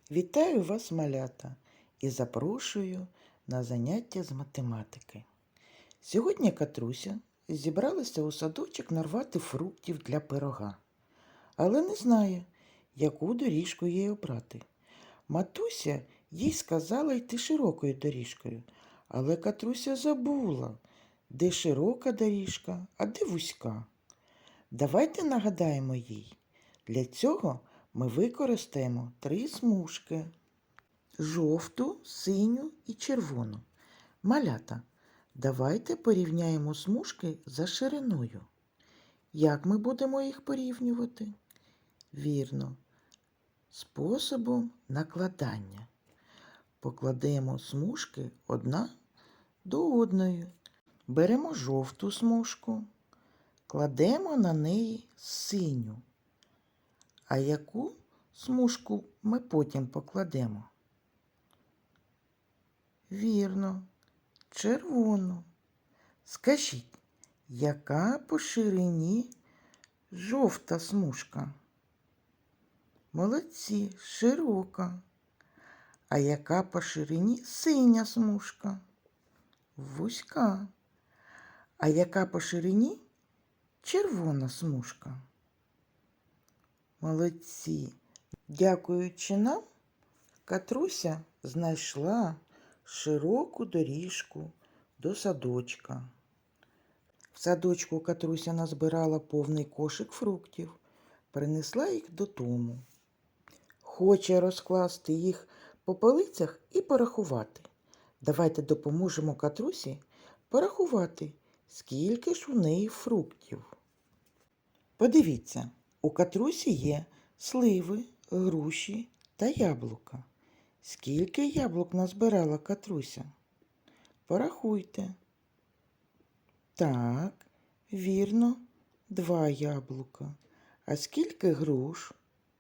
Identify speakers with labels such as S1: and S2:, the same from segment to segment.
S1: Вітаю вас, малята, і запрошую на заняття з математики. Сьогодні Катруся зібралася у садочок нарвати фруктів для пирога, але не знає, яку доріжку їй обрати. Матуся їй сказала йти широкою доріжкою, але Катруся забула, де широка доріжка, а де вузька. Давайте нагадаємо їй. Для цього ми використаємо 3 смужки. Жовту, синю і червону. Малята, давайте порівняємо смужки за шириною. Як ми будемо їх порівнювати? Вірно, способом накладання. Покладемо смужки одна до одної. Беремо жовту смужку, кладемо на неї синю. А яку смужку ми потім покладемо? Вірно, червону. Скажіть, яка по ширині жовта смужка? Молодці, широка. А яка по ширині синя смужка? Вузька. А яка по ширині червона смужка? Молодці. Дякуючи нам, Катруся знайшла широку доріжку до садочка. В садочку Катруся назбирала повний кошик фруктів, принесла їх додому. Хоче розкласти їх по полицях і порахувати. Давайте допоможемо Катрусі порахувати, скільки ж у неї фруктів. Подивіться, у Катрусі є сливи, груші та яблука. Скільки яблук назбирала Катруся? Порахуйте. Так, вірно, 2 яблука. А скільки груш?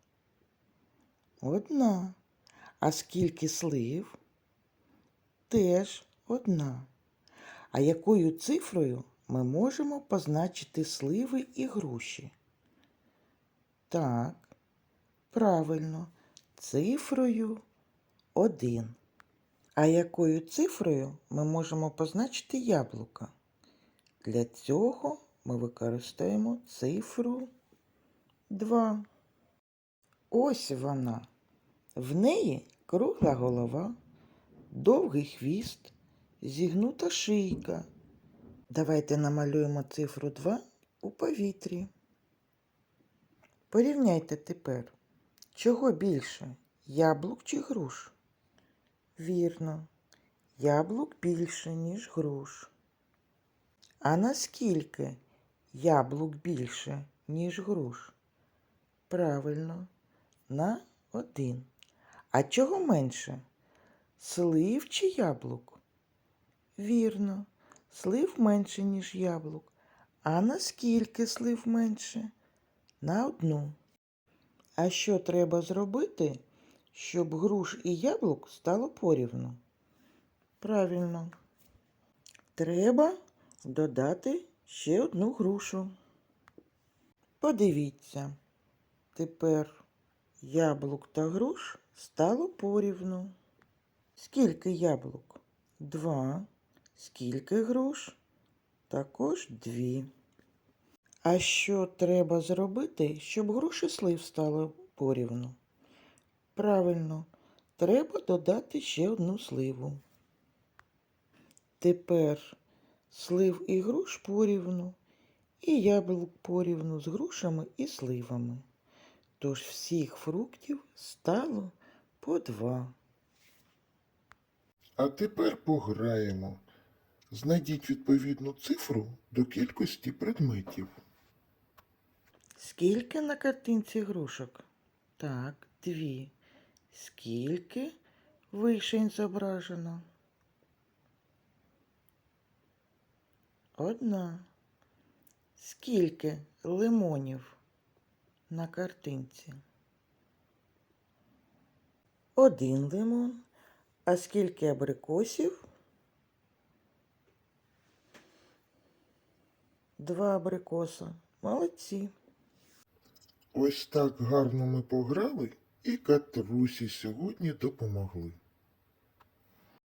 S1: 1. А скільки слив? Теж 1. А якою цифрою ми можемо позначити сливи і груші? Так, правильно, цифрою 1. А якою цифрою ми можемо позначити яблука? Для цього ми використаємо цифру 2. Ось вона. В неї кругла голова, довгий хвіст, зігнута шийка. Давайте намалюємо цифру 2 у повітрі. Порівняйте тепер, чого більше, яблук чи груш? Вірно, яблук більше, ніж груш. А наскільки яблук більше, ніж груш? Правильно, на 1. А чого менше? Слив чи яблук? Вірно, слив менше, ніж яблук. А наскільки слив менше? На 1. А що треба зробити, щоб груш і яблук стало порівну? Правильно, треба додати ще 1 грушу. Подивіться, тепер яблук та груш стало порівну. Скільки яблук? 2. Скільки груш? Також 2. А що треба зробити, щоб груш і слив стало порівну? Правильно, треба додати ще 1 сливу. Тепер слив і груш порівну, і яблук порівну з грушами і сливами. Тож всіх фруктів стало по 2.
S2: А тепер пограємо. Знайдіть відповідну цифру до кількості предметів.
S1: Скільки на картинці грушок? Так, 2. Скільки вишень зображено? 1. Скільки лимонів на картинці? 1 лимон. А скільки абрикосів? 2 абрикоса. Молодці.
S2: Ось так гарно ми пограли і Катрусі сьогодні допомогли.